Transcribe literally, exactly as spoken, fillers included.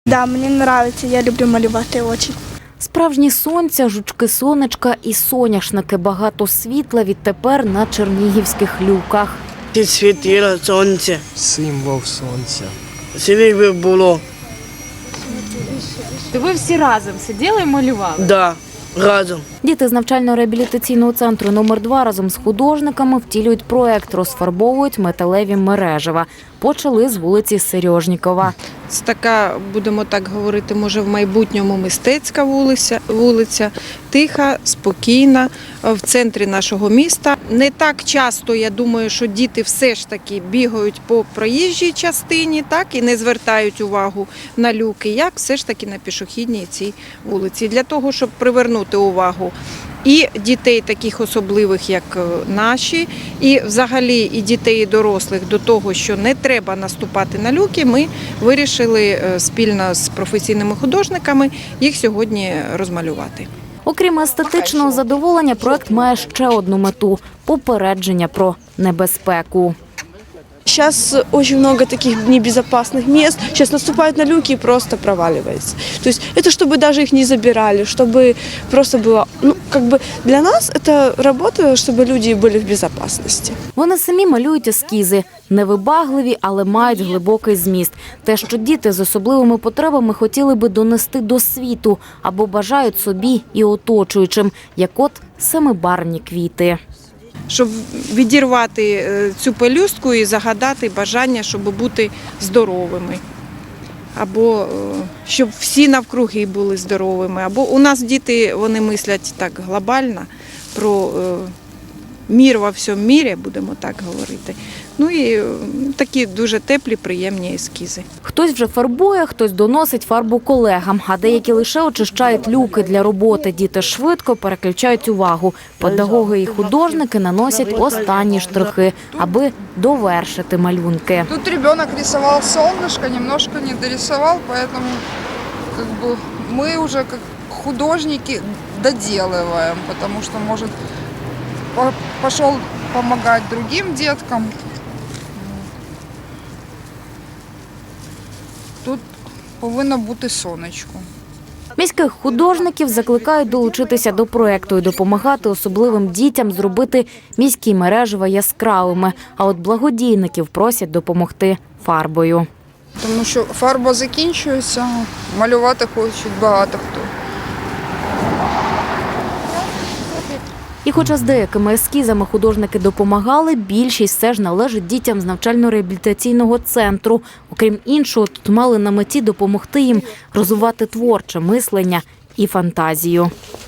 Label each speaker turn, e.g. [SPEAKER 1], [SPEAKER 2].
[SPEAKER 1] Да, мені подобається, я люблю малювати дуже.
[SPEAKER 2] Справжні сонця, жучки-сонечка і соняшники. Багато світла відтепер на чернігівських люках.
[SPEAKER 3] Ці світило сонце.
[SPEAKER 4] Символ сонця.
[SPEAKER 3] Сиві би було.
[SPEAKER 5] То ви всі разом сиділи і малювали?
[SPEAKER 3] Да, разом.
[SPEAKER 2] Діти з навчально-реабілітаційного центру номер два разом з художниками втілюють проект, розфарбовують металеві мережева. Почали з вулиці Сережнікова.
[SPEAKER 6] Це така, будемо так говорити, може в майбутньому мистецька вулиця, вулиця, тиха, спокійна, в центрі нашого міста. Не так часто, я думаю, що діти все ж таки бігають по проїжджій частині, так, і не звертають увагу на люки, як все ж таки на пішохідній цій вулиці. Для того, щоб привернути увагу і дітей таких особливих, як наші, і взагалі і дітей, і дорослих до того, що не треба наступати на люки, ми вирішили спільно з професійними художниками їх сьогодні розмалювати.
[SPEAKER 2] Окрім естетичного задоволення, проект має ще одну мету – попередження про небезпеку.
[SPEAKER 1] Сейчас очень много таких небезопасных мест. Сейчас наступают на люки и просто проваливается. То есть это чтобы даже их не забирали, чтобы просто было, ну, как бы для нас это работа, чтобы люди были в безопасности.
[SPEAKER 2] Вони самі малюють ескізи. Невибагливі, але мають глибокий зміст. Те, що діти з особливими потребами хотіли би донести до світу або бажають собі і оточуючим, як от семибарвні квіти.
[SPEAKER 6] Щоб відірвати цю пелюстку і загадати бажання, щоб бути здоровими. Або щоб всі навкруги були здоровими. Або у нас діти, вони мислять так глобально про мір во всьому мірі, будемо так говорити. Ну і такі дуже теплі, приємні ескізи.
[SPEAKER 2] Хтось вже фарбує, хтось доносить фарбу колегам, а деякі лише очищають люки для роботи. Діти швидко переключають увагу. Педагоги і художники наносять останні штрихи, аби довершити малюнки.
[SPEAKER 7] Тут ребенок рисовал солнышко, немножко не дорисовал, поэтому как бы мы уже как художники доделываем, потому что, может, пошел помогать другим деткам. Тут повинно бути сонечко.
[SPEAKER 2] Міських художників закликають долучитися до проєкту і допомагати особливим дітям зробити міські мережева яскравими. А от благодійників просять допомогти фарбою.
[SPEAKER 7] Тому що фарба закінчується, малювати хочуть багато хто.
[SPEAKER 2] І хоча з деякими ескізами художники допомагали, більшість все ж належить дітям з навчально-реабілітаційного центру. Окрім іншого, тут мали на меті допомогти їм розвивати творче мислення і фантазію.